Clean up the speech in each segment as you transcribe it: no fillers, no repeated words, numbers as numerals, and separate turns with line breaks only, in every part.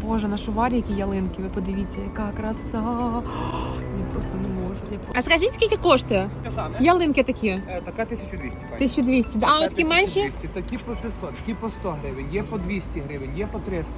Боже, на Шуварі які ялинки, ви подивіться, яка краса. Я просто не можу. А скажіть, скільки коштує? Ялинки такі?
Така 1200.
1200. А от такі менші?
Такі по 600, такі по 100 гривень, є по 200 гривень, є по 300.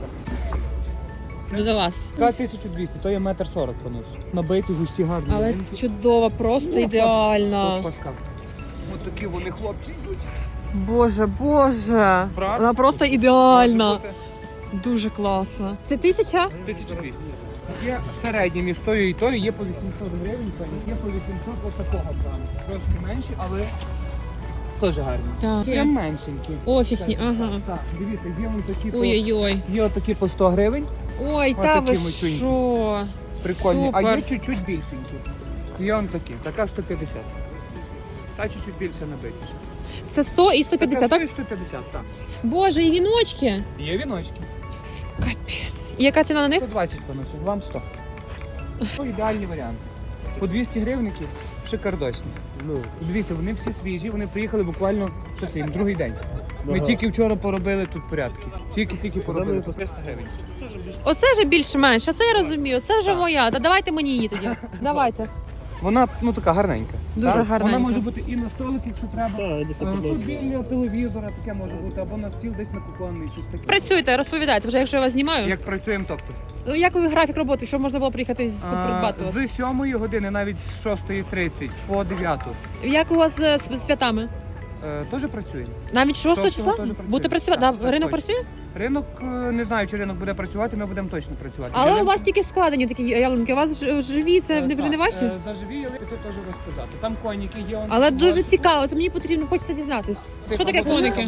До вас.
Така 1200, то є 1,40 м понос. Набиті, густі, гарні.
Але чудово, просто ідеально.
Ось такі вони хлопці йдуть.
Боже, боже.
Правда?
Вона просто ідеальна. Дуже класно. Це 1000?
1200. Є середні між тою і тою, є по 800 гривень, є по 800 ось такого плану. Трошки менші, але теж гарні.
Так.
Прям меншенькі.
Офісні, ага.
Так, дивіться, є вон такі по...
Ой-ой-ой.
Є отакі по 100 гривень.
Ой, та ви
такі мачунькі.
що?
Прикольні. А
Супер.
є чуть-чуть більшенькі. Є он такі. Така 150. Та чуть-чуть більше набитіше.
Це 100 і 150,
Така
так?
150, так.
Боже, і віночки.
Є віночки.
Капець. І яка ціна на них?
120 поносить, вам 100. Це ідеальний варіант. По 200 гривників шикардосні. Дивіться, вони всі свіжі, вони приїхали буквально, що це, їм другий день. Ми тільки вчора поробили тут порядки. Тільки поробили по 300 гривень.
Оце вже більш-менш, оце я розумію, це вже моя. Та давайте мені її тоді. Давайте.
Вона, така гарненька.
Дуже
Так?
гарненька.
Вона може бути і на столик, якщо треба. Тут біля телевізора таке може бути, або на стіл десь на кухонний, щось таке.
Працюйте, розповідайте, вже якщо я вас знімаю.
Як працюємо, тобто?
Ну, як ви графік роботи, щоб можна було приїхати тут придбати вас?
З 7 години, навіть з 6:30 по 9.
Як у вас з святами?
Теж працюємо.
Навіть 6
6-го
числа?
теж працює.
Будете працювати?
Так,
Да, ринок
точно.
працює?
Ринок, не знаю, чи ринок буде працювати, ми будемо точно працювати.
Але у вас тільки складені такі ялинки, у вас живі, це вже не ваші?
Заживі ялинки теж розказати. Там коніки є.
Але дуже цікаво, це мені потрібно, хочеться дізнатись. Що таке коники?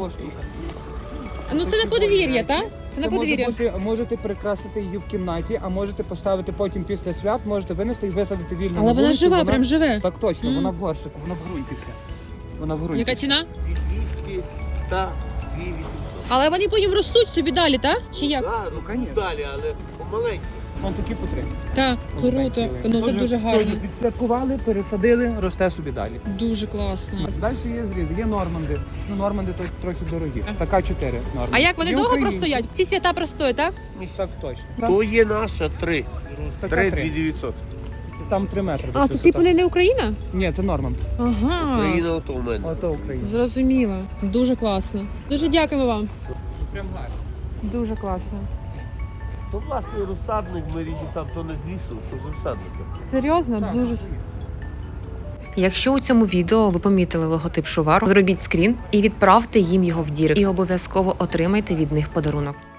Ну це не подвір'я, так? Це не подвір'я.
Можете прикрасити її в кімнаті, а можете поставити потім після свят, можете винести і висадити вільно.
Але
на
вона
вулиці,
жива, прям живе.
Так точно,
Мгм.
вона в горшику, вона в ґрунті вся. Вона в ґрунті.
Яка
вся.
ціна?
200 та 2800.
Але вони потім ростуть собі далі, так? Чи як?
Так,
Ну,
ну,
конечно.
далі, але помаленьку.
Вон такі по 3.
Так, круто. Ну це дуже гарно.
Відсвяткували, пересадили, росте собі далі.
Дуже класно.
Далі є зріз, є норманди. Ну, норманди то трохи дорогі. Така 4 норманди.
А як вони
Є
довго
українці.
простоять? Ці свята простоять, так?
Так точно.
То є наша 3.
Така
3
3.
2900.
Там 3 метри.
А, це типу не Україна?
Ні, це Норманд.
Ага.
Україна ото у мене.
Ото Україна.
Зрозуміло. Дуже класно. Дуже дякуємо вам.
Прям гарно.
Дуже класно.
То власний розсадник ми ріжемо там, то не з лісу, то з розсадника.
Серйозно? Дуже.
Якщо у цьому відео ви помітили логотип Шувару, зробіть скрін і відправте їм його в дірект. І обов'язково отримайте від них подарунок.